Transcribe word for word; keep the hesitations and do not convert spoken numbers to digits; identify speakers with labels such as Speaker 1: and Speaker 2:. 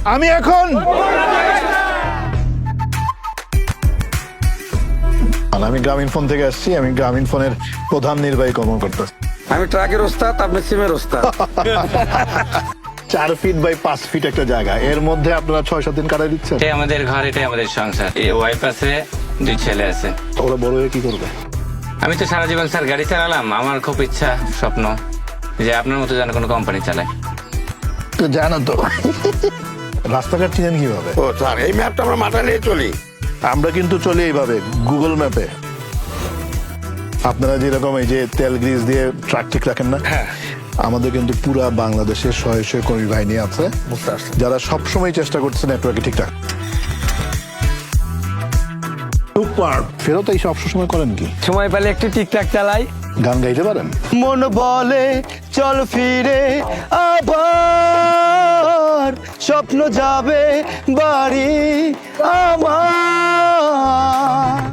Speaker 1: আমি এখন আমি গ্রামীণ ফোন থেকে আসছি। আমি গ্রামীণ ফোনের প্রধান নির্বাহী কর্মকর্তা।
Speaker 2: আমি ট্রাকের ওস্তাদ, আপনি সিমের ওস্তাদ।
Speaker 1: চার ফিট বাই পাঁচ ফিট একটা জায়গা, এর মধ্যে আপনারা ছয় সাত দিন কাটাই দিচ্ছেন।
Speaker 3: এটাই আমাদের ঘর, এটাই আমাদের সংসার। এই ওয়াইফ আছে, দুই ছেলে আছে।
Speaker 1: ওরা বড় হয়ে কি করবে?
Speaker 3: আমি তো সারা জীবন স্যার গাড়ি চালালাম। আমার খুব ইচ্ছা, স্বপ্ন যে আপনার মতো যেন কোনো কোম্পানি চালায়।
Speaker 1: তো জানো তো রাস্তাঘাট চিনেন কিভাবে?
Speaker 2: ও স্যার, এই ম্যাপটা আমরা মাথায় নিয়ে চলি।
Speaker 1: আমরা কিন্তু চলি এইভাবে, গুগল ম্যাপে। আপনারা যেরকম এই যে তেল গ্রিজ দিয়ে ট্রাক ঠিক রাখেন না, আমাদের কিন্তু পুরা বাংলাদেশের শয়ে শয়ে কর্মী বাহিনী আছে যারা সবসময় চেষ্টা করছে নেটওয়ার্কে ঠিকঠাক। ফেরত এই সব সময় করেন কি?
Speaker 4: সময় পেলে একটু টিকটাক চালাই।
Speaker 1: গান গাইতে পারেন?
Speaker 4: মন বলে চল ফিরে আবার, স্বপ্ন যাবে বাড়ি আমার।